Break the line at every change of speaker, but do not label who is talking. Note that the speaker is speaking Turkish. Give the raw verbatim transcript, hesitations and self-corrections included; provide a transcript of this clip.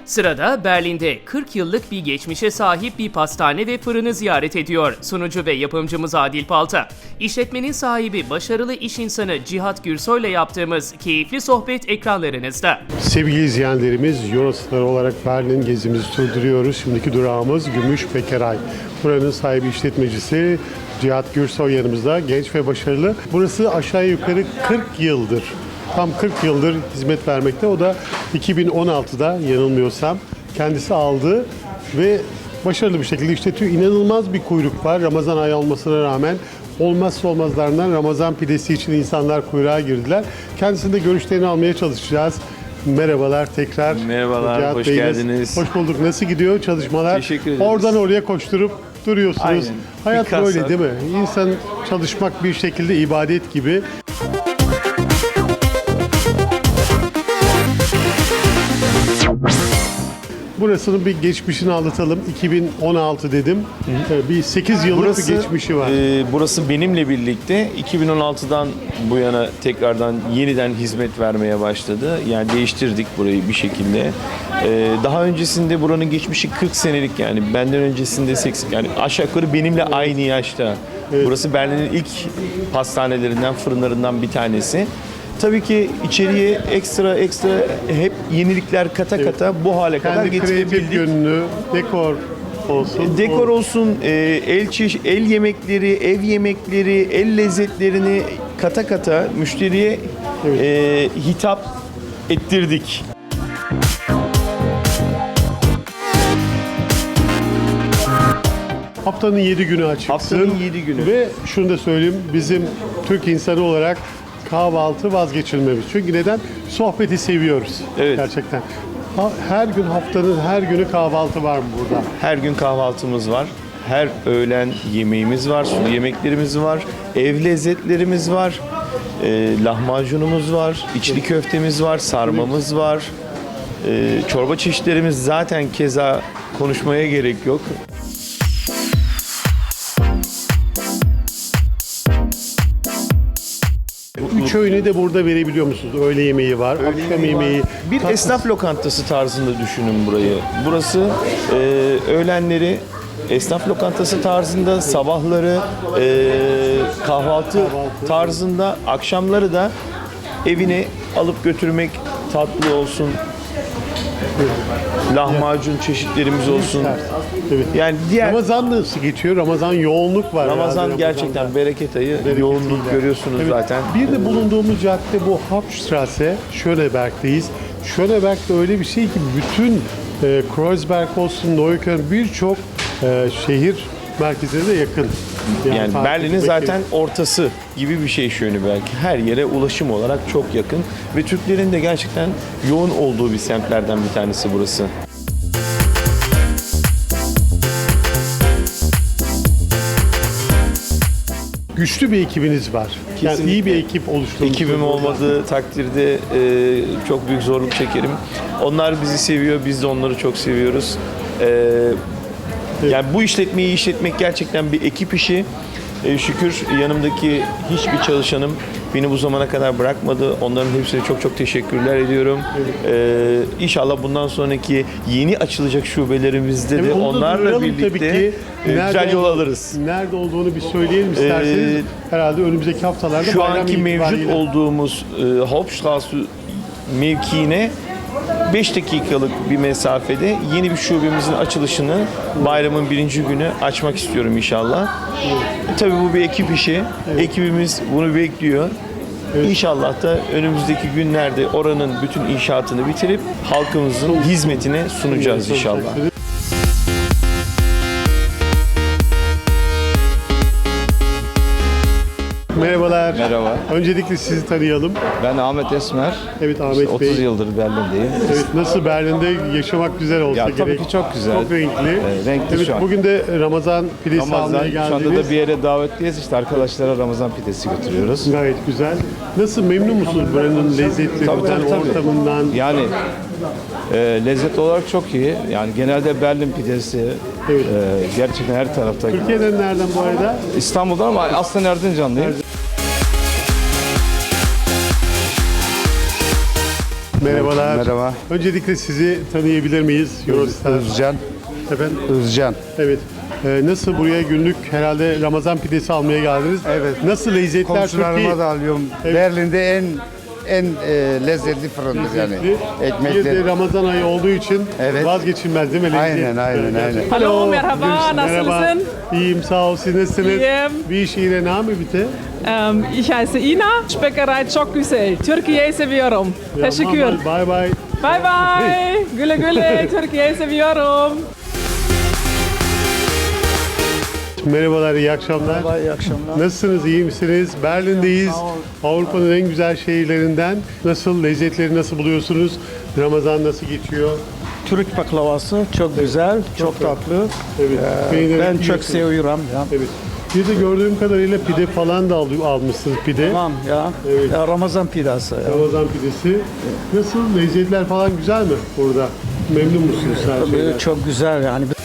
Sırada Berlin'de kırk yıllık bir geçmişe sahip bir pastane ve fırını ziyaret ediyor sunucu ve yapımcımız Adil Palta. İşletmenin sahibi başarılı iş insanı Cihat Gürsoy ile yaptığımız keyifli sohbet ekranlarınızda.
Sevgili izleyenlerimiz, Eurostar olarak Berlin gezimizi sürdürüyoruz. Şimdiki durağımız Gümüşpekeray. Buranın sahibi işletmecisi Cihat Gürsoy yanımızda, genç ve başarılı. Burası aşağı yukarı kırk yıldır, tam kırk yıldır hizmet vermekte. O da iki bin on altıda yanılmıyorsam kendisi aldı ve başarılı bir şekilde işletiyor. İnanılmaz bir kuyruk var Ramazan ayı olmasına rağmen. Olmazsa olmazlarından Ramazan pidesi için insanlar kuyruğa girdiler. Kendisinde görüşlerini almaya çalışacağız. Merhabalar tekrar.
Merhabalar,
Cihat
hoş
Bey'le.
geldiniz.
Hoş bulduk. Nasıl gidiyor çalışmalar?
Teşekkür ederiz.
Oradan oraya koşturup duruyorsunuz.
Aynen.
Hayat
Bir kasa.
böyle değil mi? İnsan çalışmak bir şekilde ibadet gibi. Burasının bir geçmişini anlatalım. iki bin on altı dedim. Ee, Bir sekiz yıllık bir geçmişi var.
e, burası benimle birlikte iki bin on altıdan bu yana tekrardan yeniden hizmet vermeye başladı. Yani değiştirdik burayı bir şekilde. E, daha öncesinde buranın geçmişi kırk senelik, yani benden öncesinde seksen, yani aşağı yukarı benimle aynı yaşta. Burası Berlin'in ilk pastanelerinden, fırınlarından bir tanesi. Tabii ki içeriye ekstra ekstra hep yenilikler kata kata bu hale kadar
Kendi kreatif
getirebildik.
yönünü, dekor olsun.
Dekor olsun, e, el çeş- el yemekleri, ev yemekleri, el lezzetlerini kata kata müşteriye e, hitap ettirdik.
Haftanın yedi günü açıksın.
Haftanın yedi günü.
Ve şunu da söyleyeyim, bizim Türk insanı olarak kahvaltı vazgeçilmemiz. Çünkü neden? Sohbeti seviyoruz.
Evet.
Gerçekten. Ha- Her gün, haftanın her günü kahvaltı var mı burada?
Her gün kahvaltımız var. Her öğlen yemeğimiz var, sulu yemeklerimiz var, ev lezzetlerimiz var, e, lahmacunumuz var, içli köftemiz var, sarmamız var, e, çorba çeşitlerimiz zaten keza konuşmaya gerek yok.
Üç öğünü de burada verebiliyor musunuz? Öğle yemeği var, akşam yemeği.
Bir
tatlı-
esnaf lokantası tarzında düşünün burayı. Burası e, öğlenleri esnaf lokantası tarzında, sabahları e, kahvaltı tarzında, akşamları da evine alıp götürmek, tatlı olsun, lahmacun çeşitlerimiz olsun.
Evet.
Yani diğer
Ramazan nasıl geçiyor? Ramazan yoğunluk var.
Ramazan
herhalde
gerçekten
Ramazan'da.
bereket ayı,
Bereketiyle.
yoğunluk görüyorsunuz
Evet.
zaten.
Bir de bulunduğumuz cadde bu Hauptstraße, Schöneberg'deyiz. Schöneberg'de öyle bir şey ki bütün e, Kreuzberg olsun, Neukölln birçok e, şehir merkezine de yakın.
Yani
takip
Berlin'in
etmek
zaten ortası gibi bir şey şöyle belki. Her yere ulaşım olarak çok yakın ve Türklerin de gerçekten yoğun olduğu bir semtlerden bir tanesi burası.
güçlü bir ekibiniz var. Yani
Kesinlikle.
iyi bir ekip oluşturmuşsunuz.
Ekibim olmadığı takdirde e, çok büyük zorluk çekerim. Onlar bizi seviyor, biz de onları çok seviyoruz. E, yani bu işletmeyi işletmek gerçekten bir ekip işi. E, şükür yanımdaki hiçbir çalışanım beni bu zamana kadar bırakmadı. Onların hepsine çok çok teşekkürler ediyorum. E, inşallah bundan sonraki yeni açılacak şubelerimizde
Evet,
de
onu da
onlarla
duyuralım
birlikte
tabii ki.
e,
Nerede
güzel yol
ol-
alırız.
Nerede olduğunu bir söyleyelim isterseniz.
Ee,
Herhalde önümüzdeki haftalarda
Şu
bayram
anki mevcut
itibariyle-
olduğumuz e, Hauptstraße mevkiine beş dakikalık bir mesafede yeni bir şubemizin açılışını bayramın birinci günü açmak istiyorum inşallah. E, tabii bu bir ekip işi. Ekibimiz bunu bekliyor. İnşallah da önümüzdeki günlerde oranın bütün inşaatını bitirip halkımızın hizmetine sunacağız inşallah.
Merhabalar.
Merhaba.
Öncelikle sizi tanıyalım.
Ben Ahmet Esmer.
Evet Ahmet
İşte
Bey.
otuz yıldır Berlin'deyim.
Evet, nasıl Berlin'de yaşamak güzel olsa
Ya
gerek.
tabii ki çok güzel.
Çok renkli.
Ee, renkli
evet,
şu an.
bugün de Ramazan pidesi almaya
Ramazan, şu
geldiniz.
anda da bir yere davetliyiz. İşte arkadaşlara Ramazan pidesi götürüyoruz.
Gayet güzel. Nasıl, memnun musunuz buranın lezzetlerinden,
Tabii, tabii, tabii.
ortamından?
Yani e, lezzet olarak çok iyi. Yani genelde Berlin pidesi
Evet.
e, gerçekten her tarafta.
Türkiye'den nereden bu arada?
İstanbul'da ama aslen Erzincanlıyım.
Merhabalar.
Merhaba.
Öncelikle sizi tanıyabilir miyiz? Eurostar.
Özcan.
Efendim?
Özcan.
Evet. Ee, nasıl buraya günlük herhalde Ramazan pidesi almaya geldiniz?
Evet.
Nasıl lezzetler çok iyi?
Komşularıma da alıyorum.
Evet.
Berlin'de en en e, lezzetli fırındır yani.
Lezzetli. Bir de
Ekmekler.
Ramazan ayı olduğu için
Evet.
vazgeçilmez değil mi? Lezzet.
Aynen, aynen,
Evet,
aynen.
gerçekten.
Hallo, merhaba,
Görüşürüz. Merhaba.
nasılsın?
İyiyim, sağ ol. Siz nasılsınız?
İyiyim.
Wie ist Ihre Name bitte?
Ähm, ich heiße Ina, Bäckerei çok güzel. Türkiye'yi seviyorum. Teşekkür.
Bye bye.
Bye bye. Güle güle. Türkiye'yi seviyorum.
Merhabalar, iyi akşamlar.
Merhaba, iyi akşamlar.
Nasılsınız, iyi misiniz? Berlin'deyiz. Avrupa'nın en güzel şehirlerinden. Nasıl, lezzetleri nasıl buluyorsunuz? Ramazan nasıl geçiyor?
Türk baklavası çok güzel, çok tatlı.
Evet.
Ee,
beğenerek
ben çok
yiyorsunuz.
seviyorum ya.
Evet. Bir de gördüğüm kadarıyla pide falan da al- almışsınız pide.
Tamam ya.
Evet.
Ya Ramazan pidası. Ya.
Ramazan pidesi. Nasıl, lezzetler falan güzel mi burada? Memnun musunuz her şeyden?
Çok güzel yani.